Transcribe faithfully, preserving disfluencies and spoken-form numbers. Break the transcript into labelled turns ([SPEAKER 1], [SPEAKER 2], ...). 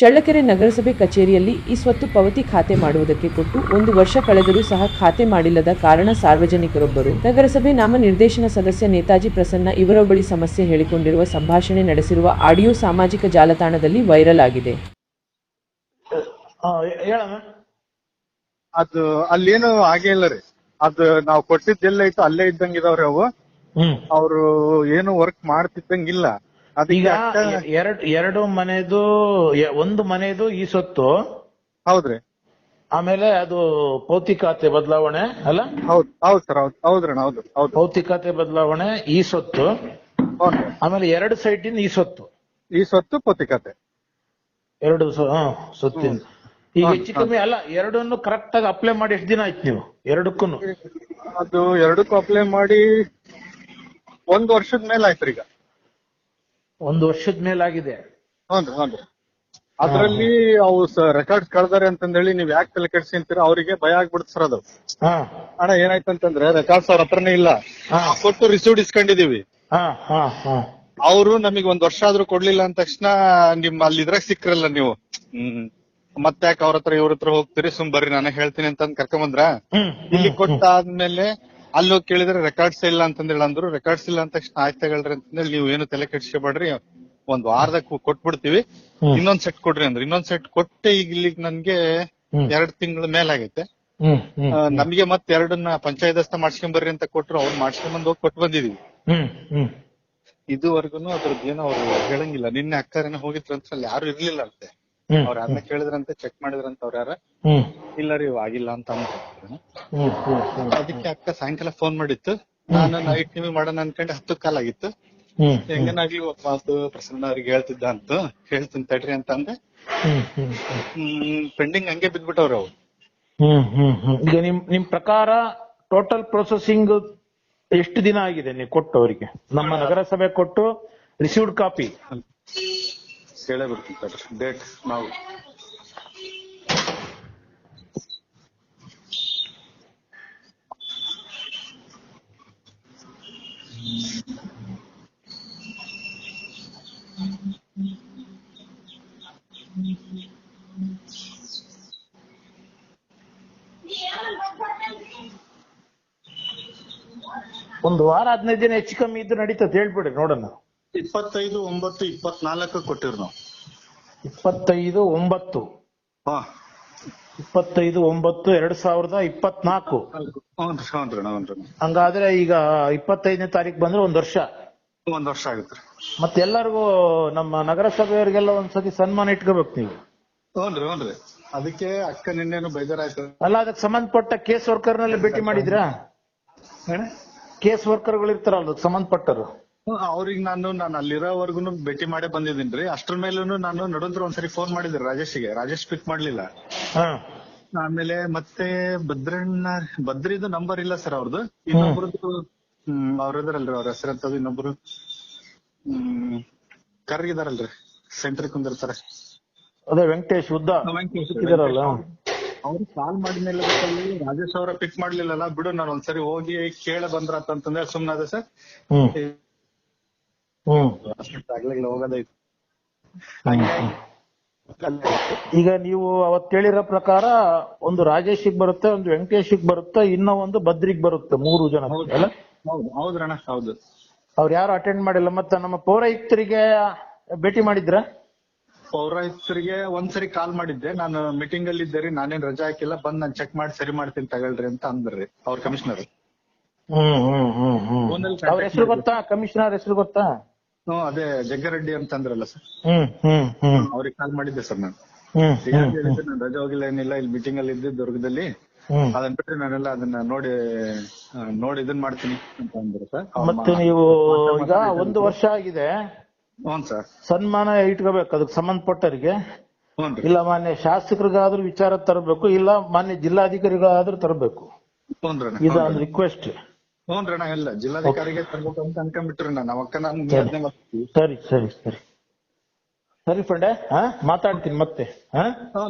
[SPEAKER 1] ಚಳ್ಳಕೆರೆ ನಗರಸಭೆ ಕಚೇರಿಯಲ್ಲಿ ಈ ಸ್ವತ್ತು ಪಾವತಿ ಖಾತೆ ಮಾಡುವುದಕ್ಕೆ ಕೊಟ್ಟು ಒಂದು ವರ್ಷ ಕಳೆದರೂ ಸಹ ಖಾತೆ ಮಾಡಿಲ್ಲದ ಕಾರಣ ಸಾರ್ವಜನಿಕರೊಬ್ಬರು ನಗರಸಭೆ ನಾಮನಿರ್ದೇಶನ ಸದಸ್ಯ ನೇತಾಜಿ ಪ್ರಸನ್ನ ಇವರ ಬಳಿ ಸಮಸ್ಯೆ ಹೇಳಿಕೊಂಡಿರುವ ಸಂಭಾಷಣೆ ನಡೆಸಿರುವ ಆಡಿಯೋ ಸಾಮಾಜಿಕ ಜಾಲತಾಣದಲ್ಲಿ ವೈರಲ್ ಆಗಿದೆ.
[SPEAKER 2] ಅದು ಅಲ್ಲೇನು ಆಗೇ ಇಲ್ಲ ರೀ. ಅದು ನಾವು ಕೊಟ್ಟಿದ್ದೆಲ್ಲ ಇತ್ತು ಅಲ್ಲೇ ಇದ್ದಂಗ ಇದಾವ್ರಿ ಅವು. ಅವ್ರು ಏನು ವರ್ಕ್ ಮಾಡ್ತಿದ್ದಂಗಿಲ್ಲ.
[SPEAKER 3] ಈಗ ಎರಡ್ ಎರಡು ಮನೆದು ಒಂದು ಮನೆದು ಈ ಸೊತ್ತು
[SPEAKER 2] ಹೌದ್ರಿ.
[SPEAKER 3] ಆಮೇಲೆ ಅದು ಭೌತಿಕಾತೆ ಬದಲಾವಣೆ ಅಲ್ಲ?
[SPEAKER 2] ಹೌದ್ ಹೌದ್ ಸರ್ ಹೌದ್ ಹೌದ್ರಣ್ಣ ಹೌದು ಹೌದು
[SPEAKER 3] ಭೌತಿಕಾತೆ ಬದಲಾವಣೆ ಈ ಸೊತ್ತು, ಆಮೇಲೆ ಎರಡು ಸೈಟ್ ಇಂದ ಈ ಸೊತ್ತು
[SPEAKER 2] ಈ ಸೊತ್ತು ಭೌತಿಕತೆ
[SPEAKER 3] ಎರಡು ಸೊತ್ತಿನ. ಈಗ ಹೆಚ್ಚು ಕಮ್ಮಿ ಅಲ್ಲ, ಎರಡನ್ನು ಕರೆಕ್ಟ್ ಆಗಿ ಅಪ್ಲೈ ಮಾಡಿ ಎಷ್ಟು ದಿನ ಆಯ್ತು ನೀವು ಎರಡಕ್ಕೂ?
[SPEAKER 2] ಅದು ಎರಡಕ್ಕೂ ಅಪ್ಲೈ ಮಾಡಿ ಒಂದ್ ವರ್ಷದ ಮೇಲೆ ಆಯ್ತು ಈಗ.
[SPEAKER 3] ಒಂದು ವರ್ಷದ ಮೇಲಾಗಿದೆ.
[SPEAKER 2] ಹ್ಞೂ ಹ್ಞೂ ಅದ್ರಲ್ಲಿ ಅವು ರೆಕಾರ್ಡ್ಸ್ ಕಳ್ದಾರೆ ಅಂತಂದೇಳಿ ನೀವ್ ಯಾಕೆ ತಲೆ ಕೆಡ್ಸಿಂತೀರ, ಅವರಿಗೆ ಭಯ ಆಗ್ಬಿಡುತ್ತೆ ಸರ್ ಅದು. ಅಣ್ಣ ಏನಾಯ್ತಂತಂದ್ರೆ ರೆಕಾರ್ಡ್ಸ್ ಅವ್ರ ಹತ್ರನೇ ಇಲ್ಲ, ಕೊಟ್ಟು ರಿಸೀವ್ಡ್ ಇಸ್ಕೊಂಡಿದೀವಿ. ಅವರು ನಮಗ್ ಒಂದ್ ವರ್ಷ ಆದ್ರೂ ಕೊಡ್ಲಿಲ್ಲ ಅಂದ ತಕ್ಷಣ ನಿಮ್ ಅಲ್ಲಿ ಇದ್ರಾಗ ಸಿಕ್ಕ್ರಲ್ಲ ನೀವು, ಹ್ಮ್ ಮತ್ತೆ ಯಾಕೆ ಅವ್ರ ಹತ್ರ ಇವ್ರ ಹತ್ರ ಹೋಗ್ತೀರಿ, ಸುಮ್ ಬರ್ರಿ ನಾನೇ ಹೇಳ್ತೀನಿ ಅಂತ ಕರ್ಕೊಂಬಂದ್ರ. ಇಲ್ಲಿ ಕೊಟ್ಟಾದ್ಮೇಲೆ ಅಲ್ಲಿ ಹೋಗಿ ಕೇಳಿದ್ರೆ ರೆಕಾರ್ಡ್ಸ್ ಇಲ್ಲ ಅಂತಂದೇಳಿ ಅಂದ್ರು. ರೆಕಾರ್ಡ್ಸ್ ಇಲ್ಲ ಅಂದ ತಕ್ಷಣ ಆಯ್ತು ತಗೊಳ್ರಿ ಅಂತಂದೇಳಿ ನೀವು ಏನು ತಲೆ ಕೆಡ್ಸ್ಕೊಬೇಡ್ರಿ, ಒಂದ್ ವಾರದಾಗ ಕೊಟ್ಬಿಡ್ತೀವಿ, ಇನ್ನೊಂದ್ ಸೆಟ್ ಕೊಡ್ರಿ ಅಂದ್ರೆ ಇನ್ನೊಂದ್ ಸೆಟ್ ಕೊಟ್ಟೆ ಈಗ ಇಲ್ಲಿಗ್ ನನ್ಗೆ ಎರಡ್ ತಿಂಗಳ ಮೇಲಾಗೈತೆ. ನಮ್ಗೆ ಮತ್ತೆ ಎರಡನ್ನ ಪಂಚಾಯತ್ ಮಾಡ್ಸ್ಕೊಂಡ್ ಬರ್ರಿ ಅಂತ ಕೊಟ್ರು, ಅವ್ರು ಮಾಡ್ಸ್ಕೊಂಡ್ ಬಂದ್ ಹೋಗಿ ಕೊಟ್ಟು ಬಂದಿದೀವಿ. ಇದುವರೆಗೂ ಅದ್ರದ್ದು ಏನೋ ಅವ್ರು ಹೇಳಂಗಿಲ್ಲ. ನಿನ್ನೆ ಅಕ್ಕರೇನೋ ಹೋಗಿದ್ರಂತ ಅಲ್ಲಿ ಯಾರು ಇರ್ಲಿಲ್ಲ ಅಂತೆ. ಅವ್ರ ಯಾರನ್ನ ಕೇಳಿದ್ರಂತೆ, ಚೆಕ್ ಮಾಡಿದ್ರಂತ ಅವ್ರ ಯಾರ ಇಲ್ಲ ರೀ ಆಗಿಲ್ಲ ಅಂತ ಅಂದ್ರು. ಅದಕ್ಕೆ ಅಕ್ಕ ಸಾಯಂಕಾಲ ಫೋನ್ ಮಾಡಿತ್ತು, ನಾನು ನೈಟ್ ನಿಮಗೆ ಮಾಡೋಣ ಅನ್ಕೊಂಡೆ ಹತ್ತು ಕಾಲ್ ಆಗಿತ್ತು. ಹೆಂಗನಾಗ್ಲಿ ಒಬ್ಬ ಮಾತು ಪ್ರಸನ್ನ ಅವ್ರಿಗೆ ಹೇಳ್ತಿದ್ದ ಅಂತ ಹೇಳ್ತೀನಿ ತಡ್ರಿ ಅಂತ ಅಂದೆ. ಹ್ಮ್ ಪೆಂಡಿಂಗ್ ಹಂಗೆ ಬಿದ್ಬಿಟ್ಟವ್ರ ಅವ್ರು.
[SPEAKER 3] ಈಗ ನಿಮ್ ನಿಮ್ ಪ್ರಕಾರ ಟೋಟಲ್ ಪ್ರೊಸೆಸಿಂಗ್ ಎಷ್ಟು ದಿನ ಆಗಿದೆ ನೀವು ಕೊಟ್ಟು ಅವರಿಗೆ? ನಮ್ಮ ನಗರಸಭೆ ಕೊಟ್ಟು ರಿಸೀವ್ಡ್ ಕಾಪಿ
[SPEAKER 2] ಹೇಳೇ ಬಿಡ್ತೀನಿ ಡೇಟ್. ನಾವು
[SPEAKER 3] ಒಂದು ವಾರ ಹದಿನೈದು ದಿನ ಹೆಚ್ಚು ಕಮ್ಮಿ ಇದ್ದು ನಡೀತದೆ, ಹೇಳ್ಬಿಡಿ ನೋಡೋಣ.
[SPEAKER 2] ಇಪ್ಪತ್ತೈದು ಒಂಬತ್ತು ಇಪ್ಪತ್ನಾಲ್ಕು ಕೊಟ್ಟಿರ್ ನಾವು.
[SPEAKER 3] ಇಪ್ಪತ್ತೈದು ಒಂಬತ್ತು ಇಪ್ಪತ್ತೈದು ಒಂಬತ್ತು ಎರಡ್ ಸಾವಿರದ ಇಪ್ಪತ್ನಾಲ್ಕು. ಹಂಗಾದ್ರೆ ಈಗ ಇಪ್ಪತ್ತೈದನೇ ತಾರೀಕು ಬಂದ್ರೆ ಒಂದ್ ವರ್ಷ
[SPEAKER 2] ಒಂದ್ ವರ್ಷ ಆಗುತ್ತೆ.
[SPEAKER 3] ಮತ್ತೆ ಎಲ್ಲರಿಗೂ ನಮ್ಮ ನಗರಸಭೆಯವರಿಗೆಲ್ಲ ಒಂದ್ಸತಿ ಸನ್ಮಾನ ಇಟ್ಕೋಬೇಕು ನೀವು.
[SPEAKER 2] ಹ್ಞೂನ್ರಿ ಹ್ಞೂನ್ರಿ ಅದಕ್ಕೆ ಅಕ್ಕ ನಿನ್ನೇನು ಬೇಜಾರಾಯ್ತು.
[SPEAKER 3] ಅಲ್ಲ, ಅದಕ್ಕೆ ಸಂಬಂಧಪಟ್ಟ ಕೇಸ್ ವರ್ಕರ್ ನಲ್ಲಿ ಭೇಟಿ ಮಾಡಿದ್ರಾ? ಕೇಸ್ ವರ್ಕರ್ ಗಳು ಇರ್ತಾರಲ್ಲ ಅದಕ್ಕೆ ಸಂಬಂಧಪಟ್ಟರು,
[SPEAKER 2] ಅವ್ರಿಗೆ ನಾನು ನಾನು ಅಲ್ಲಿರೋವರೆಗೂ ಭೇಟಿ ಮಾಡೇ ಬಂದಿದ್ದೀನ್ರಿ. ಅಷ್ಟ್ರ ಮೇಲೂ ನಾನು ನಡುವಂತ್ರ ಒಂದ್ಸರಿ ಫೋನ್ ಮಾಡಿದ್ರಿ ರಾಜೇಶ್ಗೆ, ರಾಜೇಶ್ ಪಿಕ್ ಮಾಡ್ಲಿಲ್ಲ. ಆಮೇಲೆ ಮತ್ತೆ ಭದ್ರಣ್ಣ ಭದ್ರಿದು ನಂಬರ್ ಇಲ್ಲ ಸರ್ ಅವ್ರದ್ದು. ಇನ್ನೊಬ್ರದ್ದು ಹ್ಮ್ ಅವ್ರ ಇದಾರಲ್ರಿ, ಅವ್ರ ಹೆಸರಂತದ್ದು ಇನ್ನೊಬ್ರು ಹ್ಮ್ ಕರ್ಗಿದಾರಲ್ರಿ, ಸೆಂಟ್ರಿ ಕುಂದಿರ್ತಾರೆ.
[SPEAKER 3] ಅದೇ ವೆಂಕಟೇಶ್ ಉದ್ದ ಇದಾರಲ್ಲ,
[SPEAKER 2] ಅವ್ರು ಕಾಲ್ ಮಾಡಿದ್ಮೇಲೆ ರಾಜೇಶ್ ಅವರ ಪಿಕ್ ಮಾಡ್ಲಿಲ್ಲಲ್ಲ, ಬಿಡು ನಾನು ಒಂದ್ಸರಿ ಹೋಗಿ ಕೇಳ ಬಂದ್ರ ಅಂತಂದ್ರೆ ಸುಮ್ನಾದೆ ಸರ್. ಆಗ್ಲಿಲ್ಲ ಹೋಗೋದೈತು.
[SPEAKER 3] ಈಗ ನೀವು ಅವತ್ ಹೇಳಿರೋ ಪ್ರಕಾರ ಒಂದು ರಾಜೇಶಿಗ್ ಬರುತ್ತೆ, ಒಂದು ವೆಂಕಟೇಶಿಗ್ ಬರುತ್ತೆ, ಇನ್ನೂ ಒಂದು ಭದ್ರಿಗ್ ಬರುತ್ತೆ, ಮೂರು ಜನ ಅಲ್ಲ?
[SPEAKER 2] ಹೌದು ಹೌದ್ರಣ್ಣ ಹೌದು.
[SPEAKER 3] ಅವ್ರು ಯಾರು ಅಟೆಂಡ್ ಮಾಡಿಲ್ಲ. ಮತ್ತೆ ನಮ್ಮ ಪೌರಾಯುಕ್ತರಿಗೆ ಭೇಟಿ ಮಾಡಿದ್ರ?
[SPEAKER 2] ಪೌರಾಯುಕ್ತರಿಗೆ ಒಂದ್ಸರಿ ಕಾಲ್ ಮಾಡಿದ್ದೆ, ನಾನು ಮೀಟಿಂಗ್ ಅಲ್ಲಿ ಇದ್ದೆ ರೀ, ನಾನೇನ್ ರಜಾ ಹಾಕಿಲ್ಲ, ಬಂದ್ ನಾನ್ ಚೆಕ್ ಮಾಡಿ ಸರಿ ಮಾಡ್ತೀನಿ ತಗೊಳ್ರಿ ಅಂತ ಅಂದ್ರಿ ಅವ್ರ ಕಮಿಷನರ್.
[SPEAKER 3] ಹ್ಮ್ ಹ್ಮ್ ಹ್ಮ್ ಹ್ಮ್ ಅವ್ರ ಹೆಸರು ಗೊತ್ತಾ? ಕಮಿಷನರ್ ಹೆಸರು ಗೊತ್ತಾ?
[SPEAKER 2] ಹ್ಮ್ ಅದೇ ಜಗ್ಗರೆಡ್ಡಿ ಅಂತ ಅಂದ್ರಲ್ಲ ಸರ್.
[SPEAKER 3] ಹ್ಮ್ ಹ್ಮ್ ಹ್ಮ್
[SPEAKER 2] ಅವ್ರಿಗೆ ಕಾಲ್ ಮಾಡಿದ್ದೆ ಸರ್ ನಾನು.
[SPEAKER 3] ಹ್ಮ್
[SPEAKER 2] ನಾನು ರಜಾ ಹೋಗಿಲ್ಲ ಏನಿಲ್ಲ, ಇಲ್ಲಿ ಮೀಟಿಂಗ್ ಅಲ್ಲಿ ಇದ್ದೆ ದುರ್ಗದಲ್ಲಿ, ಅದನ್ನ ಬಿಟ್ಟರೆ ನಾನೆಲ್ಲ ಅದನ್ನ ನೋಡಿ ನೋಡಿ ಇದನ್ ಮಾಡ್ತೀನಿ ಅಂತ ಅಂದ್ರು ಸರ್.
[SPEAKER 3] ಮತ್ತೆ ನೀವು ಈಗ ಒಂದು ವರ್ಷ ಆಗಿದೆ,
[SPEAKER 2] ಹ್ಞೂ ಸರ್,
[SPEAKER 3] ಸನ್ಮಾನ ಇಟ್ಕೋಬೇಕು ಅದಕ್ಕೆ ಸಂಬಂಧಪಟ್ಟವರಿಗೆ. ಇಲ್ಲ ಮಾನ್ಯ ಶಾಸಕರಿಗಾದ್ರೂ ವಿಚಾರ ತರಬೇಕು, ಇಲ್ಲ ಮಾನ್ಯ ಜಿಲ್ಲಾಧಿಕಾರಿಗಳಾದ್ರೂ ತರಬೇಕು. ಇದೊಂದು ರಿಕ್ವೆಸ್ಟ್.
[SPEAKER 2] ಹ್ಞೂನ್ರಣ್ಣ ಇಲ್ಲ ಜಿಲ್ಲಾಧಿಕಾರಿಗೆ ತರ್ಬೇಕು ಅಂತ ಅನ್ಕೊಂಡ್ಬಿಟ್ರಿ ನಾನು ಅವಕ್ಕ. ನಾನು
[SPEAKER 3] ಸರಿ ಸರಿ ಸರಿ ಸರಿ ಫ್ರೆಂಡೆ, ಹಾ ಮಾತಾಡ್ತೀನಿ ಮತ್ತೆ. ಹಾ